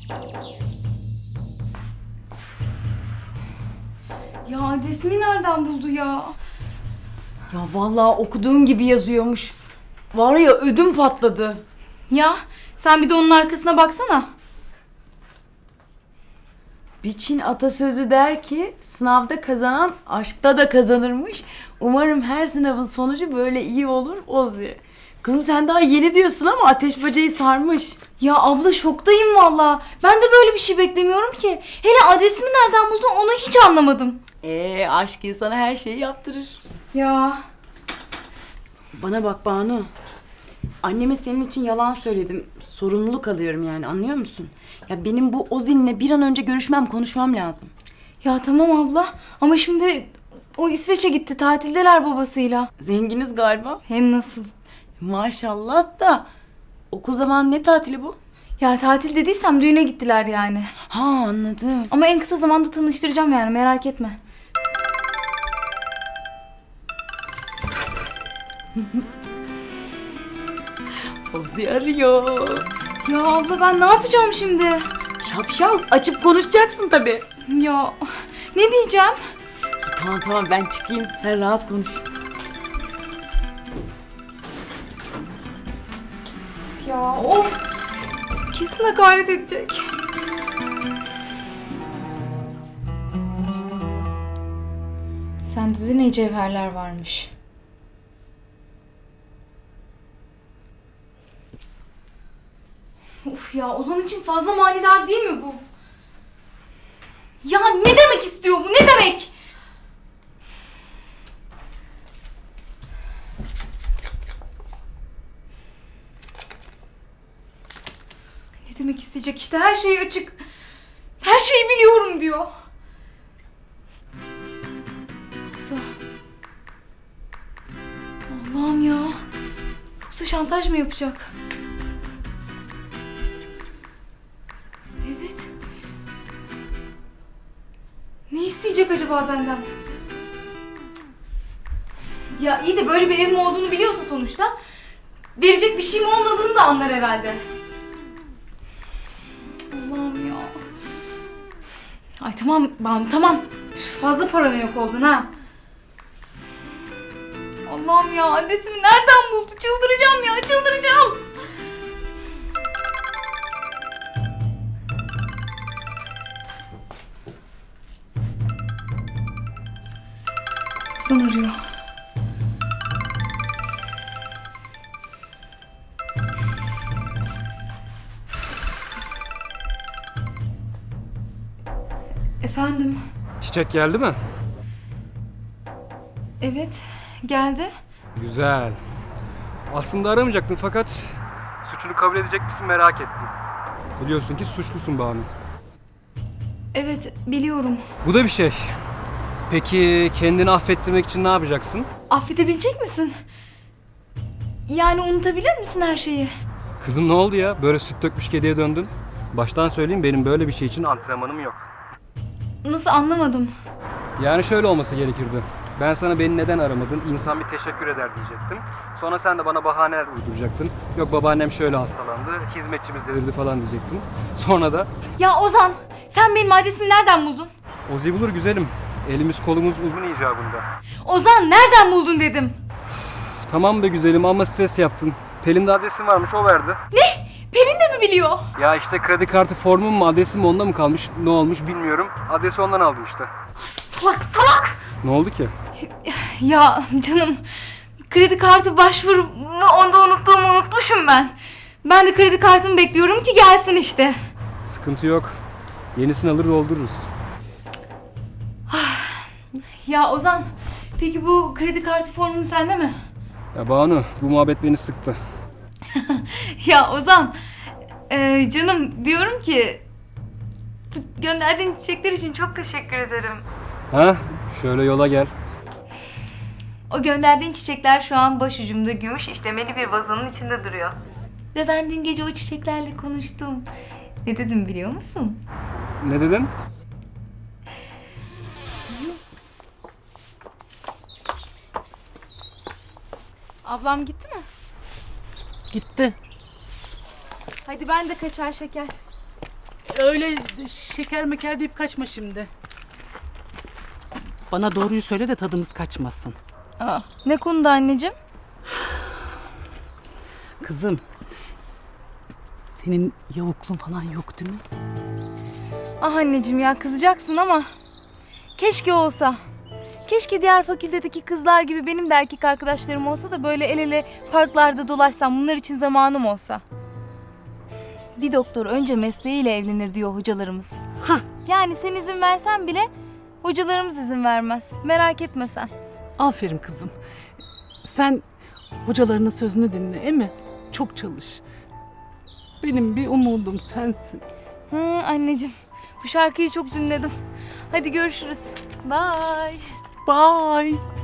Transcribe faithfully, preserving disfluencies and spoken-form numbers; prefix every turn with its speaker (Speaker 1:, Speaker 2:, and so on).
Speaker 1: Ya adresimi nereden buldu ya?
Speaker 2: Ya vallahi okuduğun gibi yazıyormuş. Var ya ödüm patladı.
Speaker 1: Ya sen bir de onun arkasına baksana.
Speaker 2: Bir Çin atasözü der ki sınavda kazanan aşkta da kazanırmış. Umarım her sınavın sonucu böyle iyi olur Ozi. Kızım sen daha yeni diyorsun ama ateş bacayı sarmış.
Speaker 1: Ya abla şoktayım valla. Ben de böyle bir şey beklemiyorum ki. Hele adresimi nereden buldun onu hiç anlamadım.
Speaker 2: Ee aşk insana her şeyi yaptırır.
Speaker 1: Ya
Speaker 2: Bana bak Banu. Anneme senin için yalan söyledim. Sorumluluk alıyorum yani, anlıyor musun? Ya benim bu Ozin'le bir an önce görüşmem, konuşmam lazım.
Speaker 1: ya tamam abla ama şimdi o İsveç'e gitti, tatildeler babasıyla.
Speaker 2: Zenginiz galiba.
Speaker 1: Hem nasıl?
Speaker 2: Maşallah da. Okul zamanı ne tatili bu?
Speaker 1: Ya tatil dediysem düğüne gittiler yani.
Speaker 2: Ha, anladım.
Speaker 1: Ama en kısa zamanda tanıştıracağım yani, merak etme.
Speaker 2: Ozi arıyor.
Speaker 1: Ya abla ben ne yapacağım şimdi?
Speaker 2: Şapşal, açıp konuşacaksın tabii.
Speaker 1: Ya ne diyeceğim?
Speaker 2: Tamam tamam, ben çıkayım, sen rahat konuş.
Speaker 1: Ya of! Kesin hakaret edecek. Sende de ne cevherler varmış. Uf ya, Ozan için fazla manidar değil mi bu? Ya ne demek istiyor bu? Ne demek? Ne demek isteyecek işte, her şey açık. Her şeyi biliyorum diyor. Yoksa... Allah'ım ya. Yoksa şantaj mı yapacak? Evet. Ne isteyecek acaba benden? Ya iyi de böyle bir evim olduğunu biliyorsa sonuçta verecek bir şeyim olmadığını da anlar herhalde. Allah'ım ya. Ay tamam Banu, tamam. Üf, fazla paranoyak oldun ha. Allah'ım ya, adresimi nereden buldu? Çıldıracağım ya, çıldıracağım. Ozan arıyor. Efendim?
Speaker 3: Çiçek geldi mi?
Speaker 1: Evet, geldi.
Speaker 3: Güzel. Aslında aramayacaktım fakat suçunu kabul edecek misin merak ettim. Biliyorsun ki suçlusun Banu.
Speaker 1: Evet, biliyorum.
Speaker 3: Bu da bir şey. Peki kendini affettirmek için ne yapacaksın?
Speaker 1: Affedebilecek misin? Yani unutabilir misin her şeyi?
Speaker 3: Kızım ne oldu ya? Böyle süt dökmüş kediye döndün. Baştan söyleyeyim, benim böyle bir şey için antrenmanım yok.
Speaker 1: Nasıl, anlamadım.
Speaker 3: Yani şöyle olması gerekirdi. Ben sana beni neden aramadın, insan bir teşekkür eder diyecektim. Sonra sen de bana bahaneler uyduracaktın. Yok babaannem şöyle hastalandı, hizmetçimiz delirdi falan diyecektin. Sonra da
Speaker 1: Ya Ozan, sen benim adresimi nereden buldun?
Speaker 3: Ozi bulur güzelim. Elimiz kolumuz uzun icabında.
Speaker 1: Ozan, nereden buldun dedim.
Speaker 3: Tamam be güzelim ama stres yaptın. Pelin'de adresin varmış, o verdi.
Speaker 1: Ne? Pelin de mi biliyor?
Speaker 3: Ya işte kredi kartı formum mu adresim mi onda mı kalmış, ne olmuş bilmiyorum. Adresi ondan aldım işte.
Speaker 1: Salak salak!
Speaker 3: Ne oldu ki?
Speaker 1: Ya canım, kredi kartı başvurumu onda unuttuğumu unutmuşum ben. Ben de kredi kartımı bekliyorum ki gelsin işte.
Speaker 3: Sıkıntı yok. Yenisini alır doldururuz.
Speaker 1: Ya Ozan, peki bu kredi kartı formu sende mi?
Speaker 3: Ya Banu, bu muhabbet beni sıktı.
Speaker 1: Ya Ozan, e, canım diyorum ki gönderdiğin çiçekler için çok teşekkür ederim.
Speaker 3: Ha? Şöyle yola gel.
Speaker 1: O gönderdiğin çiçekler şu an başucumda gümüş işlemeli bir vazonun içinde duruyor. Ve ben dün gece o çiçeklerle konuştum. Ne dedim biliyor musun?
Speaker 3: Ne dedin?
Speaker 1: Ablam gitti mi?
Speaker 2: Gitti.
Speaker 1: Hadi ben de kaçar şeker.
Speaker 4: öyle şeker meker deyip kaçma şimdi. Bana doğruyu söyle de tadımız kaçmasın.
Speaker 1: Aa, ne konuda anneciğim?
Speaker 4: Kızım, senin yavukluğun falan yok değil mi?
Speaker 1: Ah anneciğim ya, kızacaksın ama keşke olsa. Keşke diğer fakültedeki kızlar gibi benim de erkek arkadaşlarım olsa da böyle el ele parklarda dolaşsam, bunlar için zamanım olsa. Bir doktor önce mesleğiyle evlenir diyor hocalarımız.
Speaker 4: Hah.
Speaker 1: Yani sen izin versen bile hocalarımız izin vermez. Merak etme sen.
Speaker 4: Aferin kızım. Sen hocalarının sözünü dinle, değil mi? Çok çalış. Benim bir umudum sensin.
Speaker 1: Hı, anneciğim, bu şarkıyı çok dinledim. Hadi görüşürüz. Bye.
Speaker 4: Bye.